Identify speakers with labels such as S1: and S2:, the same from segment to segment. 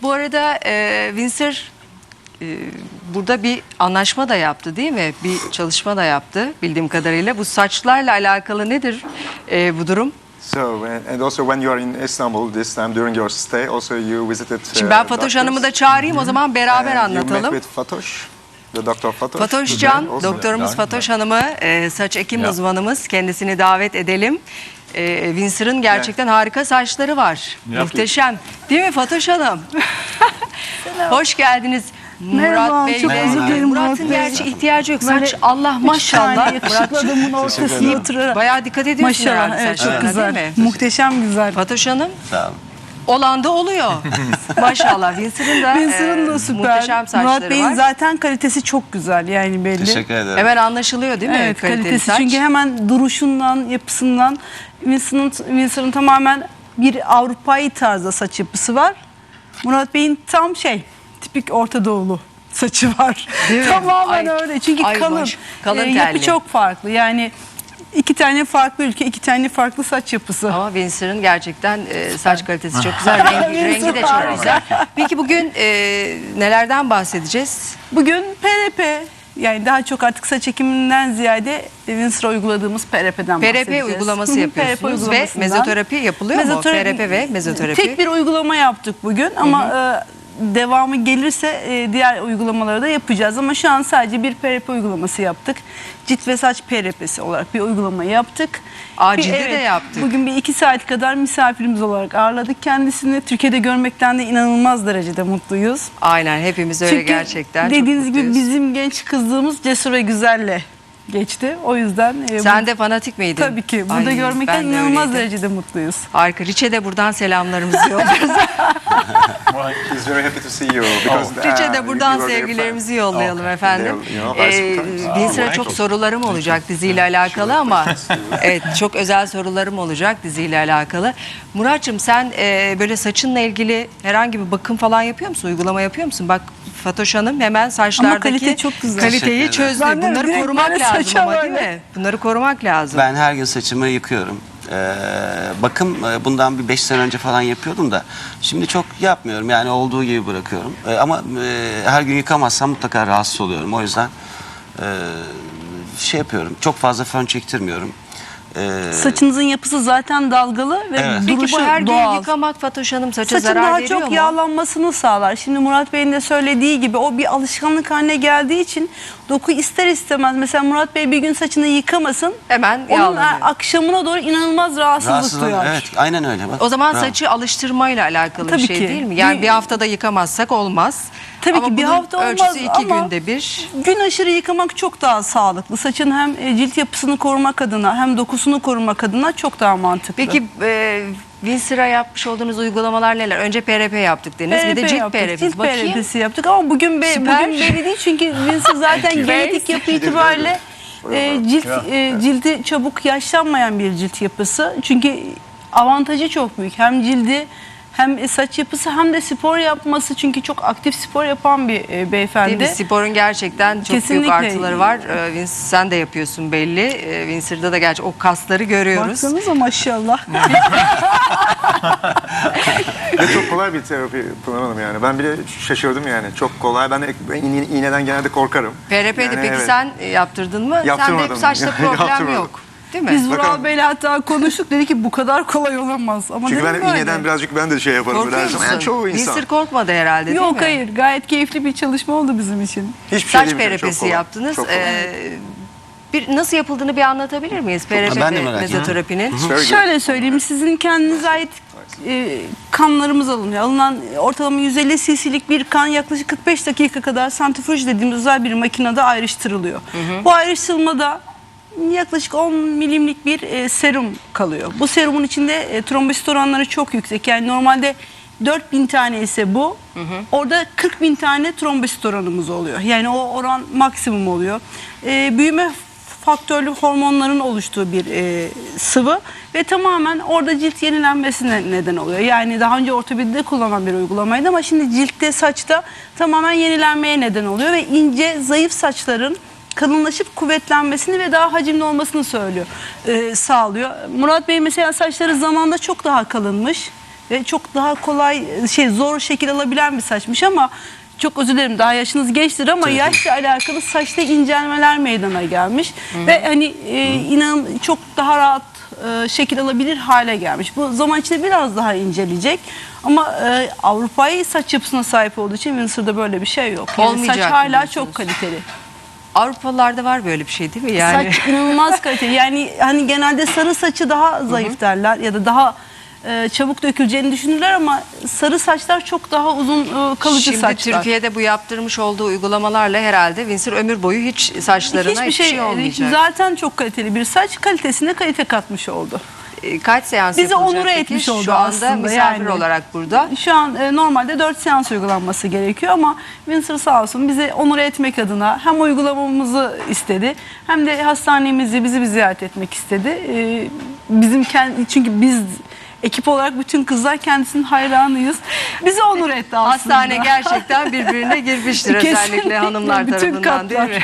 S1: bu arada Windsor burada bir anlaşma da yaptı değil mi? Bir çalışma da yaptı bildiğim kadarıyla. Bu saçlarla alakalı nedir bu durum?
S2: So, and also when you are in Istanbul this time during your stay, also you visited
S1: Şimdi ben Fatoş Hanım'ı da çağırayım, o zaman beraber anlatalım.
S2: You met with Fatoş, the Dr. Fatoş.
S1: Fatoş Can, doktorumuz Fatoş Hanım'ı, saç ekim uzmanımız, kendisini davet edelim. Windsor'ın gerçekten harika saçları var. Muhteşem. Değil mi Fatoş Hanım? Hoş geldiniz.
S3: Merhaba,
S1: Murat Bey
S3: çok özür dilerim
S1: Murat'ın
S3: Murat Bey.
S1: gerçi ihtiyacı yok.
S3: Böyle
S1: Saç Allah maşallah.
S3: Yakışıklı adamın ortasına oturarak.
S1: Bayağı dikkat ediyorsun
S3: Maşallah,
S1: herhalde
S3: evet, çok
S1: saçlarına,
S3: güzel.
S1: değil mi?
S3: Muhteşem güzel.
S1: Fatoş Hanım.
S4: Sağ olun.
S1: Olan da oluyor. Maşallah. Windsor'ın da
S3: süper.
S1: muhteşem saçları
S3: Murat Bey'in
S1: var.
S3: zaten kalitesi çok güzel yani belli.
S4: Teşekkür ederim.
S1: Hemen anlaşılıyor değil mi?
S3: Evet,
S1: kaliteli
S3: kalitesi
S1: saç.
S3: çünkü hemen duruşundan, yapısından Windsor'ın tamamen bir Avrupa'yı tarzda saç yapısı var. Murat Bey'in tam tipik Orta Doğulu saçı var.
S1: Değil mi?
S3: Tamamen
S1: Ay,
S3: öyle. Çünkü
S1: ay
S3: kalın.
S1: kalın
S3: Yapı
S1: telli.
S3: çok farklı. Yani iki tane farklı ülke, iki tane farklı saç yapısı.
S1: Ama Windsor'ın gerçekten saç kalitesi çok güzel. Rengi de çok güzel. Peki bugün nelerden bahsedeceğiz?
S3: Bugün PRP, yani daha çok artık saç ekiminden ziyade Windsor'a uyguladığımız PRP'den bahsedeceğiz.
S1: PRP uygulaması yapıyorsunuz
S3: PRP
S1: ve
S3: uygulamasından.
S1: mezoterapi yapılıyor mu? PRP ve mezoterapi.
S3: Tek bir uygulama yaptık bugün ama devamı gelirse diğer uygulamaları da yapacağız. Ama şu an sadece bir PRP uygulaması yaptık. Cilt ve saç PRP'si olarak bir uygulama yaptık.
S1: Cildi de yaptık.
S3: Bugün bir 2 saat kadar misafirimiz olarak ağırladık kendisini. Türkiye'de görmekten de inanılmaz derecede mutluyuz.
S1: Aynen, hepimiz öyle
S3: Çünkü
S1: gerçekten.
S3: dediğiniz
S1: çok
S3: gibi
S1: mutluyuz.
S3: bizim genç kızlığımız Cesur ve Güzel'le geçti. O yüzden
S1: Sen de fanatik miydin?
S3: tabii ki burada
S1: Ay,
S3: görmekten
S1: ben de
S3: inanılmaz
S1: öyleydim.
S3: derecede mutluyuz.
S1: Harika. Riç'e de buradan selamlarımızı yolluyoruz.
S2: He's very happy to see you because
S1: Riç'e de buradan
S2: you were their
S1: sevgilerimizi yollayalım
S2: Okay.
S1: efendim. Windsor'a çok sorularım olacak diziyle alakalı ama evet, çok özel sorularım olacak diziyle alakalı. Murat'cığım sen böyle saçınla ilgili herhangi bir bakım falan yapıyor musun? Uygulama yapıyor musun? Bak Fatoş Hanım hemen saçlardaki
S3: kalite çok güzel.
S1: kaliteyi çözdü.
S3: Ben de
S1: Bunları
S3: direkt
S1: korumak
S3: böyle
S1: lazım
S3: saça
S1: ama değil
S3: böyle.
S1: mi? Bunları korumak lazım.
S4: Ben her gün saçımı yıkıyorum. Bakım bundan bir 5 sene önce falan yapıyordum da şimdi çok yapmıyorum, yani olduğu gibi bırakıyorum. Ama her gün yıkamazsam mutlaka rahatsız oluyorum. O yüzden yapıyorum, çok fazla fön çektirmiyorum.
S3: Saçınızın yapısı zaten dalgalı ve
S4: Evet.
S1: Peki
S3: duruşu
S1: bu her gün
S3: doğal.
S1: yıkamak Fatoş Hanım saça
S3: Saçın
S1: zarar
S3: daha
S1: veriyor
S3: çok
S1: mu?
S3: yağlanmasını sağlar. Şimdi Murat Bey'in de söylediği gibi o bir alışkanlık haline geldiği için doku ister istemez. Mesela Murat Bey bir gün saçını yıkamasın.
S1: Hemen
S3: Onun
S1: yağlanıyor.
S3: akşamına doğru inanılmaz rahatsızlık duyar.
S4: Evet, aynen öyle. Bak,
S1: O zaman
S4: bravo.
S1: saçı alıştırmayla alakalı
S3: Tabii
S1: bir şey
S3: ki.
S1: değil mi? Yani bir haftada yıkamazsak olmaz.
S3: Tabii
S1: ama
S3: ki bir
S1: bunun
S3: hafta olmaz
S1: ölçüsü 2
S3: ama
S1: günde bir.
S3: gün aşırı yıkamak çok daha sağlıklı. Saçın hem cilt yapısını korumak adına hem dokusunu korumak adına çok daha mantıklı.
S1: Peki Windsor'a yapmış olduğunuz uygulamalar neler? Önce PRP yaptık deniz. Bir de cilt
S3: yaptık,
S1: PRP'si.
S3: cilt
S1: Bakayım.
S3: PRP'si yaptık ama bugün
S1: Süper.
S3: belli değil çünkü Winsor zaten genetik yapı itibariyle cildi çabuk yaşlanmayan bir cilt yapısı. Çünkü avantajı çok büyük. Hem cildi hem saç yapısı hem de spor yapması, çünkü çok aktif spor yapan bir beyefendi.
S1: Değil mi? Sporun gerçekten çok büyük
S3: Kesinlikle.
S1: artıları var. Sen de yapıyorsun belli. Windsor'da da gerçi o kasları görüyoruz.
S3: Baksanıza maşallah.
S2: Ve çok kolay bir terapi Pınar Hanım yani. Ben bile şaşırdım yani. Çok kolay. Ben iğneden genelde korkarım.
S1: PRP'de
S2: Yani
S1: peki
S2: evet.
S1: sen yaptırdın mı? Sende
S2: Yaptırmadım.
S1: hep saçta problem
S2: Yaptırmadım.
S1: yok. Değil mi?
S3: Biz Vural
S2: Bakalım.
S3: Bey'le hatta konuştuk, dedi ki bu kadar kolay olamaz. Ama
S2: Çünkü
S3: dedim
S2: ben
S3: böyle.
S2: iğneden birazcık ben de şey yaparım.
S1: Korkuyor
S2: Böyle her zaman.
S1: musun?
S2: Yani çoğu insan.
S1: Windsor korkmadı herhalde değil mi?
S3: Yok hayır, gayet keyifli bir çalışma oldu bizim için.
S2: Hiçbir şey
S1: Saç
S2: değil mi? Çok
S1: PRP'si
S2: kolay.
S1: yaptınız.
S2: Çok kolay.
S1: Nasıl yapıldığını bir anlatabilir miyiz? PRP
S4: Ben de
S1: ve
S4: merak ediyorum.
S1: mezoterapinin.
S2: Very good.
S3: Şöyle söyleyeyim, sizin kendinize ait kanlarımız alınıyor. Alınan ortalama 150 cc'lik bir kan yaklaşık 45 dakika kadar santrifüj dediğimiz özel bir makinede ayrıştırılıyor. Bu ayrıştırmada yaklaşık 10 milimlik bir serum kalıyor. Bu serumun içinde trombosit oranları çok yüksek. Yani normalde 4000 tane ise bu. Orada 40.000 tane trombosit oranımız oluyor. Yani o oran maksimum oluyor. Büyüme faktörlü hormonların oluştuğu bir sıvı ve tamamen orada cilt yenilenmesine neden oluyor. Yani daha önce ortopedide kullanılan bir uygulamaydı ama şimdi ciltte, saçta tamamen yenilenmeye neden oluyor ve ince, zayıf saçların kalınlaşıp kuvvetlenmesini ve daha hacimli olmasını sağlıyor. Murat Bey mesela saçları zamanda çok daha kalınmış ve çok daha kolay zor şekil alabilen bir saçmış ama çok özür dilerim, daha yaşınız gençtir ama yaşla alakalı saçta incelmeler meydana gelmiş ve hani inanın çok daha rahat şekil alabilir hale gelmiş. Bu zaman içinde biraz daha inceleyecek ama Avrupa'yı saç yapısına sahip olduğu için Windsor'da böyle bir şey yok. Yani
S1: Olmayacak
S3: saç hala
S1: diyorsunuz.
S3: çok kaliteli.
S1: Avrupalılarda var böyle bir şey değil mi yani?
S3: Saç inanılmaz kaliteli. Yani hani genelde sarı saçı daha zayıf derler ya da daha çabuk döküleceğini düşünürler ama sarı saçlar çok daha uzun kalıcı
S1: Şimdi
S3: saçlar.
S1: Türkiye'de bu yaptırmış olduğu uygulamalarla herhalde Windsor ömür boyu hiç saçlarına hiçbir şey olmayacak.
S3: Zaten çok kaliteli bir saç, kalitesine kalite katmış oldu.
S1: Kaç seans
S3: Bizi
S1: yapılacak
S3: onure
S1: peki?
S3: etmiş oldu
S1: Şu anda
S3: aslında
S1: misafir
S3: yani.
S1: olarak burada.
S3: Şu an normalde 4 seans uygulanması gerekiyor ama Windsor sağ olsun bizi onure etmek adına hem uygulamamızı istedi hem de hastanemizi bizi bir ziyaret etmek istedi. Çünkü biz ekip olarak bütün kızlar kendisinin hayranıyız. Bizi onur etti aslında.
S1: Hastane gerçekten birbirine girmiştir özellikle
S3: Kesinlikle,
S1: hanımlar
S3: bütün
S1: tarafından değil
S3: katlar.
S1: mi?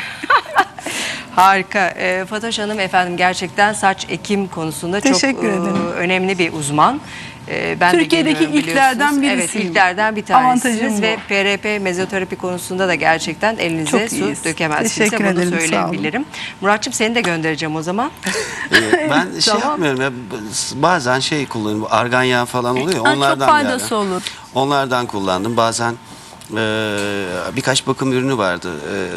S1: Harika. Fatoş Hanım efendim gerçekten saç ekim konusunda çok
S3: Teşekkür ederim.
S1: önemli bir uzman. Ben de
S3: Türkiye'deki
S1: geliyorum
S3: ilklerden
S1: biliyorsunuz.
S3: birisiyim.
S1: Evet, ilklerden bir
S3: Avantajım
S1: tanesiniz
S3: bu.
S1: ve PRP mezoterapi konusunda da gerçekten elinize
S3: Çok
S1: su
S3: iyiyiz.
S1: dökemezsiniz.
S3: Teşekkür
S1: Bunu
S3: ederim, sağ olun.
S1: söyleyebilirim. Muratçım seni de göndereceğim o zaman.
S4: Ben şey yapmıyorum ya, bazen şey kullanıyorum, bu argan yağı falan oluyor ya, onlardan
S3: çok faydası
S4: yani.
S3: olur.
S4: Onlardan kullandım. Bazen birkaç bakım ürünü vardı.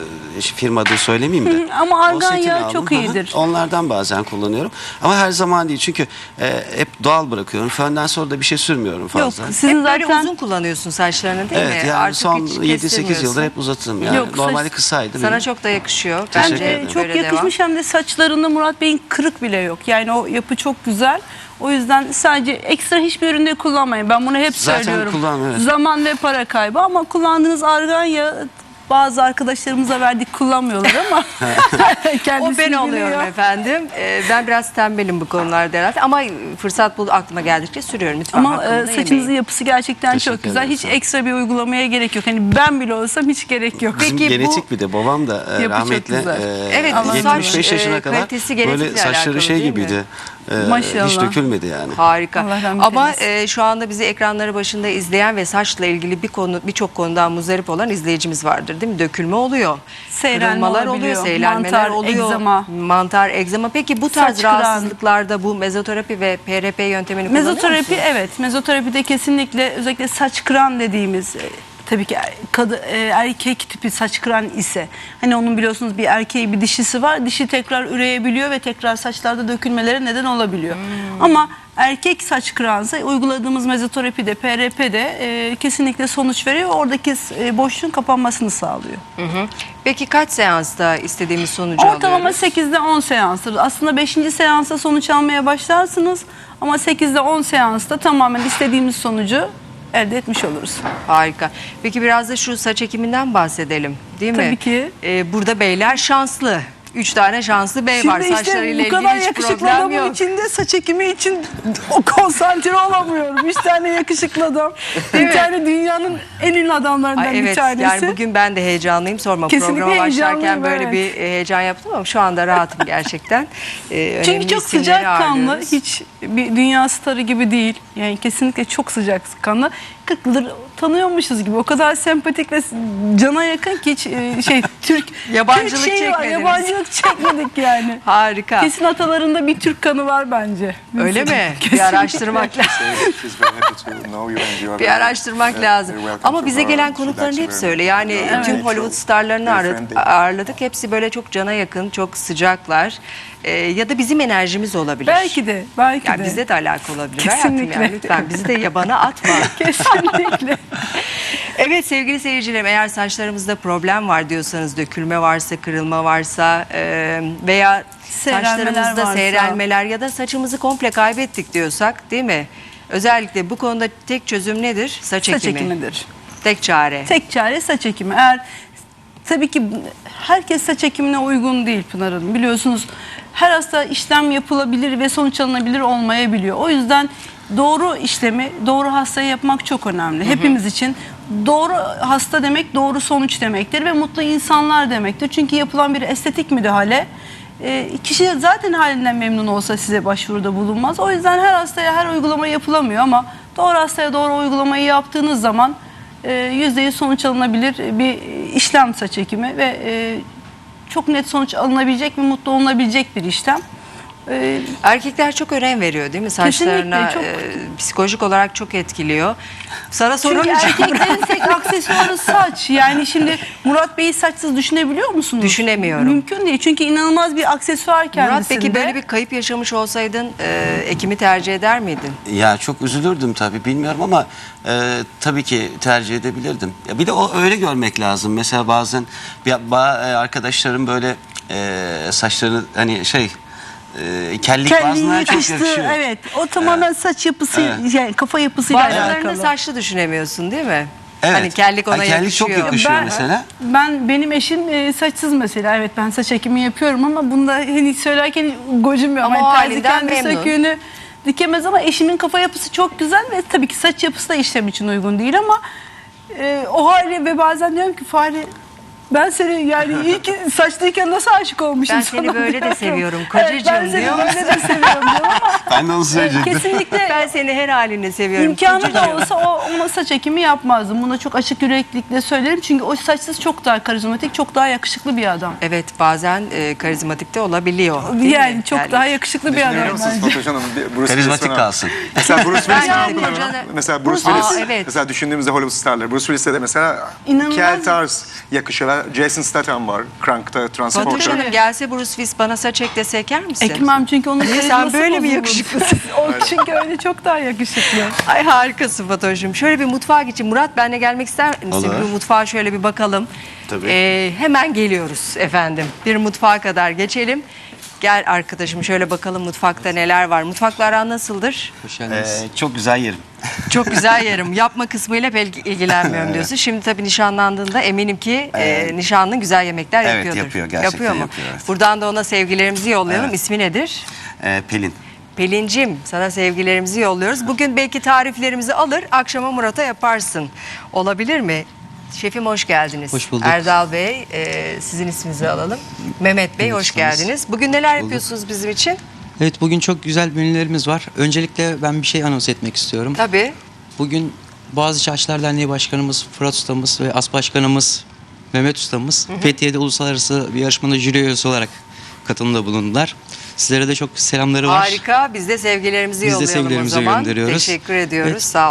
S4: Firma adı söylemeyeyim de.
S3: Ama
S4: O
S3: argan
S4: setini
S3: yağı
S4: aldım.
S3: çok
S4: Hı hı.
S3: iyidir.
S4: Onlardan bazen kullanıyorum. Ama her zaman değil. Çünkü hep doğal bırakıyorum. Fönden sonra da bir şey sürmüyorum fazla.
S3: Yok, sizin
S1: Hep böyle
S3: zaten
S1: uzun kullanıyorsun saçlarını değil
S4: Evet
S1: mi?
S4: yani
S1: Artık
S4: son
S1: hiç
S4: 7-8
S1: kestirmiyorsun.
S4: yıldır hep uzattım. Yani
S3: Yok,
S4: normalde
S3: saç-
S4: kısaydı
S1: Sana
S4: benim.
S1: çok da yakışıyor.
S4: Teşekkür
S1: Bence
S4: ederim.
S3: çok
S1: böyle
S3: yakışmış hem de saçlarında Murat Bey'in kırık bile yok. Yani o yapı çok güzel. O yüzden sadece ekstra hiçbir üründe kullanmayın. Ben bunu hep
S4: Zaten
S3: söylüyorum.
S4: kullanmıyorum, evet.
S3: Zaman ve para kaybı ama kullandığınız argan yağı bazı arkadaşlarımıza verdik kullanmıyorlar ama kendisi
S1: O ben
S3: biliyor.
S1: oluyorum efendim. Ben biraz tembelim bu konularda herhalde ama fırsat bul aklıma geldikçe sürüyorum. Lütfen
S3: Ama
S1: hakkımı da
S3: saçınızın
S1: yemeyin.
S3: yapısı gerçekten
S4: Teşekkür
S3: çok güzel.
S4: ederim,
S3: Hiç
S4: sağ olun.
S3: ekstra bir uygulamaya gerek yok. Hani ben bile olsam hiç gerek yok.
S4: Bizim
S1: Peki bu-
S4: genetik bir de babam da
S3: çok
S4: rahmetli
S3: güzel.
S1: Evet, bu
S4: 75
S1: saç,
S4: yaşına kadar
S1: kalitesi genetikle
S4: böyle saçları
S1: alakalı
S4: şey
S1: değil mi?
S4: gibiydi.
S3: Maşallah.
S4: Hiç dökülmedi yani.
S1: Harika.
S3: Allah rahmet
S1: Ama
S3: eylesin.
S1: şu anda bizi ekranları başında izleyen ve saçla ilgili birçok konudan muzdarip olan izleyicimiz vardır değil mi? Dökülme oluyor.
S3: Seyrelme
S1: Kırılmalar oluyor,
S3: olabiliyor,
S1: seyrelmeler
S3: mantar,
S1: oluyor.
S3: egzama.
S1: Mantar, egzama. Peki bu tarz
S3: Saç kıran.
S1: rahatsızlıklarda bu mezoterapi ve PRP yöntemini kullanıyor
S3: Mezoterapi
S1: musunuz?
S3: evet. Mezoterapide kesinlikle özellikle saç kıran dediğimiz tabii ki erkek tipi saç kıran ise hani onun biliyorsunuz bir erkeği bir dişisi var. Dişi tekrar üreyebiliyor ve tekrar saçlarda dökülmelere neden olabiliyor. Ama erkek saç kıransa uyguladığımız mezoterapide, PRP'de kesinlikle sonuç veriyor. Oradaki boşluğun kapanmasını sağlıyor.
S1: Hı hı. Peki kaç seansta istediğimiz sonucu
S3: Ortalama
S1: alıyoruz?
S3: 8'de 10 seanstır. Aslında 5. seansta sonuç almaya başlarsınız ama 8'de 10 seansta tamamen istediğimiz sonucu elde etmiş oluruz.
S1: Harika. Peki biraz da şu saç ekiminden bahsedelim değil mi?
S3: Tabii ki.
S1: Burada beyler şanslı. 3 tane şanslı bey var.
S3: Şimdi işte
S1: Saçlarıyla
S3: bu kadar
S1: ilgili hiç
S3: yakışıklı
S1: problem
S3: adamın
S1: yok.
S3: içinde saç ekimi için o konsantre olamıyorum. 3 tane yakışıklı adam. Bir tane dünyanın en ünlü adamlarından
S1: Ay,
S3: bir
S1: evet
S3: tanesi.
S1: yani bugün ben de heyecanlıyım. Sorma
S3: Kesinlikle
S1: programa başlarken
S3: heyecanlıyım,
S1: böyle
S3: evet.
S1: bir heyecan yaptım ama şu anda rahatım gerçekten.
S3: Çünkü
S1: Önemli
S3: çok
S1: isimleri
S3: sıcakkanlı,
S1: ağırlıyoruz.
S3: hiç bir dünya starı gibi değil. Yani kesinlikle çok sıcakkanlı. 40 yıldır tanıyormuşuz gibi. O kadar sempatik ve cana yakın ki hiç Türk
S1: Yabancılık
S3: Türk şeyi var,
S1: çekmediniz.
S3: yabancılık çekmedik yani.
S1: Harika.
S3: Kesin atalarında bir Türk kanı var bence.
S1: Öyle mi? Bir
S3: Kesinlikle.
S1: araştırmak lazım.
S2: She's very happy to know you and you are
S1: Bir
S2: very-
S1: araştırmak
S2: very
S1: lazım.
S2: welcome
S1: Ama
S2: to
S1: bize
S2: her.
S1: gelen
S2: She
S1: konukların
S2: likes you
S1: hepsi
S2: very
S1: öyle.
S2: much.
S1: Yani
S2: You are
S1: tüm
S2: very
S1: Hollywood
S2: true,
S1: starlarını
S2: very friendly.
S1: ağırladık. Hepsi böyle çok cana yakın, çok sıcaklar. Ya da bizim enerjimiz olabilir.
S3: Belki de, belki
S1: Yani
S3: de.
S1: bizde de alakalı olabilir. Hayatım
S3: Kesinlikle.
S1: yani lütfen bizi de yabana atma.
S3: Kesinlikle.
S1: Evet sevgili seyircilerim, eğer saçlarımızda problem var diyorsanız, dökülme varsa, kırılma varsa veya
S3: Seyrelmeler
S1: saçlarımızda
S3: varsa.
S1: seyrelmeler ya da saçımızı komple kaybettik diyorsak değil mi? Özellikle bu konuda tek çözüm nedir? Saç
S3: Saç
S1: ekimi.
S3: ekimidir.
S1: Tek çare.
S3: Tek çare saç ekimi. Eğer tabii ki herkes saç ekimine uygun değil Pınar Hanım. Biliyorsunuz her hasta işlem yapılabilir ve sonuç alınabilir olmayabiliyor. O yüzden doğru işlemi doğru hastaya yapmak çok önemli. Hepimiz için doğru hasta demek doğru sonuç demektir ve mutlu insanlar demektir. Çünkü yapılan bir estetik müdahale kişi zaten halinden memnun olsa size başvuruda bulunmaz. O yüzden her hastaya her uygulama yapılamıyor ama Doğru hastaya doğru uygulamayı yaptığınız zaman %100 sonuç alınabilir bir işlem saç ekimi ve çok net sonuç alınabilecek ve mutlu olunabilecek bir işlem.
S1: Erkekler çok önem veriyor değil mi saçlarına?
S3: Kesinlikle, çok.
S1: Psikolojik olarak çok etkiliyor. Sana
S3: Çünkü
S1: soramayacağım.
S3: erkeklerin tek aksesuarı saç. Yani şimdi Murat Bey'i saçsız düşünebiliyor musunuz?
S1: Düşünemiyorum.
S3: Mümkün değil. Çünkü inanılmaz bir aksesuar kendisinde.
S1: Murat peki böyle bir kayıp yaşamış olsaydın ekimi tercih eder miydin?
S4: Ya çok üzülürdüm tabii, bilmiyorum ama tabii ki tercih edebilirdim. Ya bir de o öyle görmek lazım. Mesela bazen arkadaşlarım böyle saçlarını hani kellik
S3: Kelliği
S4: bazılarına çok
S3: yakıştı.
S4: yakışıyor.
S3: Evet. O tamamen saç yapısı,
S4: Evet.
S3: yani kafa yapısıyla
S1: Bazılarını
S3: alakalı.
S1: saçlı düşünemiyorsun değil mi?
S4: Evet.
S1: Hani kellik ona
S4: kellik
S1: yakışıyor.
S4: çok yakışıyor mesela.
S3: Benim eşim saçsız mesela. Evet, ben saç ekimi yapıyorum ama bunda hani söylerken gocunmuyorum.
S1: Ama o
S3: Hani terzi
S1: halinden
S3: kendi
S1: memnun.
S3: söküğünü dikemez ama eşimin kafa yapısı çok güzel ve tabii ki saç yapısı da işlem için uygun değil ama o hali ve bazen diyorum ki Fahri, ben seni yani iyi ki saçlıyken nasıl aşık olmuşum
S1: Ben
S3: sana
S1: seni böyle de
S3: diyorum.
S1: seviyorum
S3: Evet,
S1: kocacığım
S3: ben seni
S1: diyor.
S3: böyle de seviyorum diyorum ama
S4: Ben de onu söyleyecektim.
S3: kesinlikle
S1: Ben seni her halini seviyorum.
S3: İmkanı da
S1: kocacığım.
S3: olsa ona saç ekimi yapmazdım. Buna çok açık yüreklilikle söylerim. Çünkü o saçsız çok daha karizmatik, çok daha yakışıklı bir adam.
S1: Evet, bazen karizmatik de olabiliyor. değil
S3: Yani
S1: mi?
S3: çok daha yakışıklı bir adam
S2: Düşünüyor musunuz
S3: bence.
S2: Fatoş Hanım? Bruce
S4: Karizmatik
S2: Willis'ten-
S4: kalsın.
S2: Mesela Bruce Willis
S1: Ben
S2: ne
S1: de
S2: yapıyor?
S1: kocanı-
S2: Mesela Bruce
S1: Aa,
S2: Willis.
S1: evet.
S2: Mesela düşündüğümüzde Hollywood starları. Bruce Willis'e de mesela
S3: İnanılmaz.
S2: kel tarz yakışıyorlar. Jason Statham var. Crank'ta,
S1: Fatoş
S2: Transporter'da.
S1: Hanım gelse Bruce Willis bana saç ek dese eker misin?
S3: Ekmem çünkü onun
S1: Niye, sen
S3: karizması
S1: böyle mi
S3: bozulur.
S1: yakışıklısın?
S3: O çünkü öyle çok daha yakışıklı.
S1: Ay harikasın Fatoş'um. Şöyle bir mutfağa geçin. Murat, benle gelmek ister misin?
S4: Olur.
S1: Bir mutfağa şöyle bir bakalım.
S4: Tabii.
S1: Hemen geliyoruz efendim. Bir mutfağa kadar geçelim. Gel arkadaşım, şöyle bakalım mutfakta neler var. Mutfakla aran nasıldır?
S5: Hoş geldiniz.
S4: Çok güzel yerim.
S1: Çok güzel yerim. Yapma kısmıyla pek ilgilenmiyorum diyorsun. Şimdi tabii nişanlandığında eminim ki nişanlın güzel yemekler
S4: Evet,
S1: yapıyordur.
S4: yapıyor. Gerçekten
S1: mu?
S4: yapıyor, evet.
S1: Buradan da ona sevgilerimizi yollayalım.
S4: Evet.
S1: İsmi nedir?
S4: Pelin.
S1: Pelincim, sana sevgilerimizi yolluyoruz. Bugün belki tariflerimizi alır, akşama Murat'a yaparsın. Olabilir mi? Şefim hoş geldiniz.
S5: Hoş bulduk.
S1: Erdal Bey, sizin isminizi alalım. Mehmet Bey, hoş
S5: Mehmet,
S1: geldiniz. Bugün neler yapıyorsunuz bizim için?
S5: Evet, bugün çok güzel menülerimiz var. Öncelikle ben bir şey anons etmek istiyorum.
S1: Tabii.
S5: Bugün Boğaziçi Aşçılar Derneği Başkanımız Fırat Ustamız ve As Başkanımız Mehmet Ustamız Fethiye'de uluslararası bir yarışmada jüri üyesi olarak katılımda bulundular. Sizlere de çok selamları var.
S1: Harika. Biz de sevgilerimizi
S5: Biz de
S1: yollayalım
S5: sevgilerimizi
S1: o zaman.
S5: gönderiyoruz.
S1: Teşekkür ediyoruz.
S5: Evet.
S1: Sağ